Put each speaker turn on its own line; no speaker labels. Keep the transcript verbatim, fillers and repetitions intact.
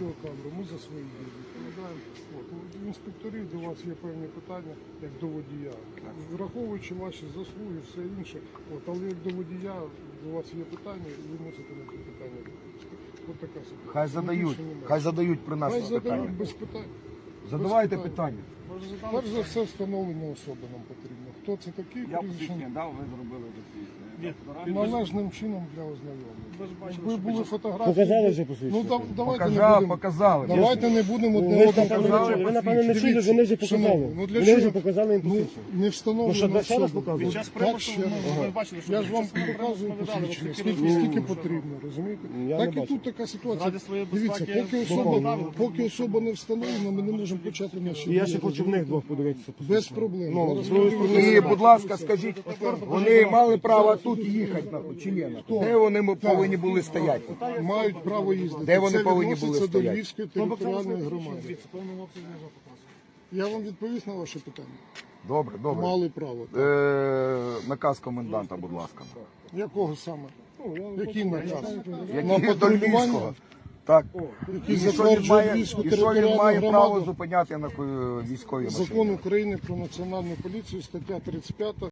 відеокамеру, ми за свої дії відповідаємо. От, у інспекторів до вас є певні питання, як до водія. Враховуючи ваші заслуги, все інше, от, але як до водія до вас є питання, і ви мусите на ці питання відповісти. От така ситуація.
Хай задають, хай задають при нас
Хай
питання.
задають без питань.
Задавайте
без
питання.
Перш за все, встановлення особи нам потрібно. Хто це такий?
Я
прізвище?
посвідчення дав, ви зробили засвідчення.
Належним чином для ознайомлення.
Ви ж бачили,
Ви
що
були
під час-
фотографії.
Показали вже
Ну
посвідчення?
да, давайте не
Показав,
будемо.
показали.
Давайте не будемо одне
Ви ж
одному
напевно не
казати.
чули, ви напевно не чули,
Дивіться,
вони вже показали.
шановні, ну для
Вони
чого?
вже показали їм
Ну,
посвідчення.
не встановлено.
Ну, що, ще раз
особу.
показують?
Під час
Так,
припуску
ще раз.
ми бачили, що
Я ж
під
вам
час припуску
показую
ми видали,
посвідчення,
от
скільки,
такі
скільки
люди.
потрібно, розумієте?
Я
Так
не
і тут
бачу.
така ситуація.
Ради своєї
Дивіться,
безпеки
поки
виконали,
особа, поки особа не встановлена, ми не можемо почати наші
І я
дії,
ще хочу в них двох подивитися.
без проблем.
Ну,
Зараз
з другої
ми
сторони,
І, будь ласка, скажіть, вони мали право тут їхати, нахуй, чи ні? нахуй? Де вони м- повинні були стояти?
мають право їздити.
Де вони
Це
повинні
відноситься
були
до
стояти?
Львівської територіальної громади. Я вам відповів на ваше питання.
Добре, добре.
Мали право.
Е, наказ коменданта, будь ласка.
Якого саме? Який наказ?
Який
На
до
патрулювання?
Львівського? Так.
Який
І що він
затверджує
має,
Львівську
і що він
територіальну
має право
громаду?
зупиняти на е, військовій машині?
Закон України про національну поліцію, стаття тридцять п'ята.